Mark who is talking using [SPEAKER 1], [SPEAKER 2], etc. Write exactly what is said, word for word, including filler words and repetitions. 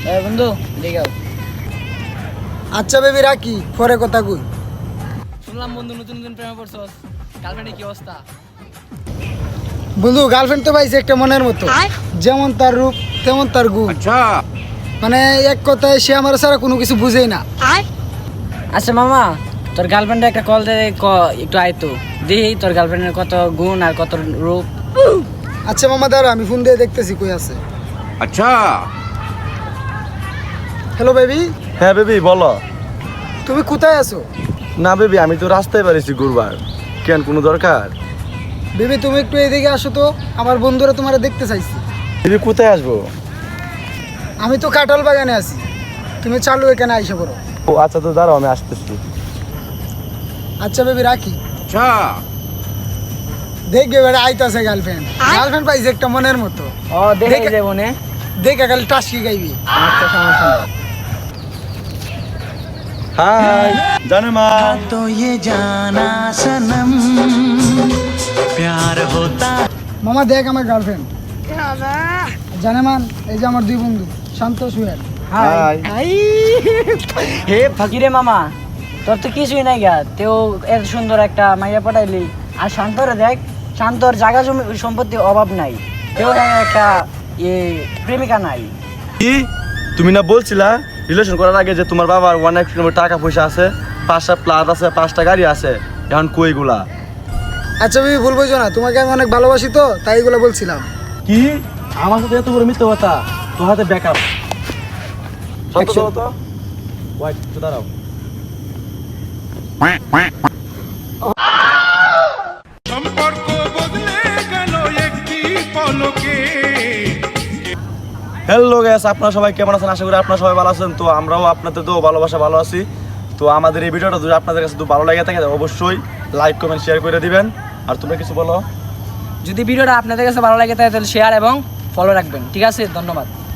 [SPEAKER 1] এ বন্ধু দেখাও।
[SPEAKER 2] আচ্ছা বেবি রাখি, পরে কথা কই।
[SPEAKER 1] শুনলাম বন্ধু নতুন নতুন প্রেমে পড়ছস, গার্লফ্রেন্ডের কি অবস্থা?
[SPEAKER 2] বন্ধু গার্লফ্রেন্ড তো পাইছে একটা মনের মতো, যেমন তার রূপ তেমন তার গুণ।
[SPEAKER 3] আচ্ছা
[SPEAKER 2] মানে এক কথায় সে আমার ছাড়া কোনো কিছু বুঝেই না।
[SPEAKER 1] আচ্ছা মামা, তোর গার্লফ্রেন্ডে একটা কল দে, ক- একটু আইতো দেখি তোর গার্লফ্রেন্ডের কত গুণ আর কত রূপ।
[SPEAKER 2] আচ্ছা মামা দাঁড়া, আমি ফোন দিয়ে দেখতেছি কই আছে।
[SPEAKER 3] আচ্ছা
[SPEAKER 2] হ্যালো বেবি,
[SPEAKER 4] হ্যাঁ বেবি বলো।
[SPEAKER 2] তুমি কোথায় আছো?
[SPEAKER 4] না বেবি, আমি তো রাস্তায় বেরিয়েছি ঘুরবার। কেন, কোনো দরকার?
[SPEAKER 2] বেবি তুমি একটু এদিকে আসো তো, আমার বন্ধুরা তোমার দেখতে চাইছি।
[SPEAKER 4] বেবি কোথায় আসবো?
[SPEAKER 2] আমি তো কাঁঠাল বাগানে আছি, তুমি চালু এখানে আইসা পড়ো।
[SPEAKER 4] ও আচ্ছা, তো দাঁড়াও আমি আসতেছি।
[SPEAKER 2] আচ্ছা বেবি রাখি।
[SPEAKER 3] আচ্ছা
[SPEAKER 2] দেখবে বেটা আইতাছে গার্লফ্রেন্ড। গার্লফ্রেন্ড পাইছে একটা মনের মতো,
[SPEAKER 1] ও দেখে
[SPEAKER 2] দেখে-
[SPEAKER 1] যাবো নে।
[SPEAKER 2] দেখে খালি টাসকি গাইবি।
[SPEAKER 1] আচ্ছা সমস্যা নেই।
[SPEAKER 4] হাই জানে মা।
[SPEAKER 5] तो ये जाना सनम प्यार होता
[SPEAKER 2] মামা দেখ আমার গার্লফ্রেন্ড জানে মান, এই যে আমার দুই বন্ধু শান্ত সুয়েল।
[SPEAKER 4] হাই।
[SPEAKER 1] হে ফকিরে মামা, তোর তো কিছুই নাই গা, তেও এত সুন্দর একটা মাইয়া পাঠাইলি। আর শান্তরে দেখ, শান্তর জায়গা জমি সম্পত্তি অভাব নাই, তেও একটা ইয়ে প্রেমিকা নাই।
[SPEAKER 4] কি তুমি না বলছিলা রিলেশন করার আগে যে তোমার বাবার অনেক টাকা পয়সা আছে, পাঁচটা প্লাট আছে, পাঁচটা গাড়ি আছে, এখন কইগুলা?
[SPEAKER 2] আচ্ছা বেবি ভুল বুঝো না, তোমাকে আমি অনেক ভালোবাসি তো তাই এগুলো বলছিলাম।
[SPEAKER 4] কি আমার সাথে এত বড় মিথ্যে কথা? তোর হাতে ব্যাকআপ। সত্য
[SPEAKER 2] Action.
[SPEAKER 4] তো ওয়াইট তো দাঁড়াও।
[SPEAKER 3] সম্পর্ক বদলে গেল একটি পলকে।
[SPEAKER 4] হ্যালো গাইস, আপনারা সবাই কেমন আছেন? আশা করি আপনারা সবাই ভালো আছেন। তো আমরাও আপনাদের তো ভালোবাসা ভালো আছি। তো আমাদের এই ভিডিওটা যদি আপনাদের কাছে তো ভালো লাগে থাকে অবশ্যই লাইক কমেন্ট শেয়ার করে দিবেন। আর তোমরা কিছু বলো।
[SPEAKER 1] যদি ভিডিওটা আপনাদের কাছে ভালো লাগে তাহলে শেয়ার এবং ফলো রাখবেন। ঠিক আছে, ধন্যবাদ।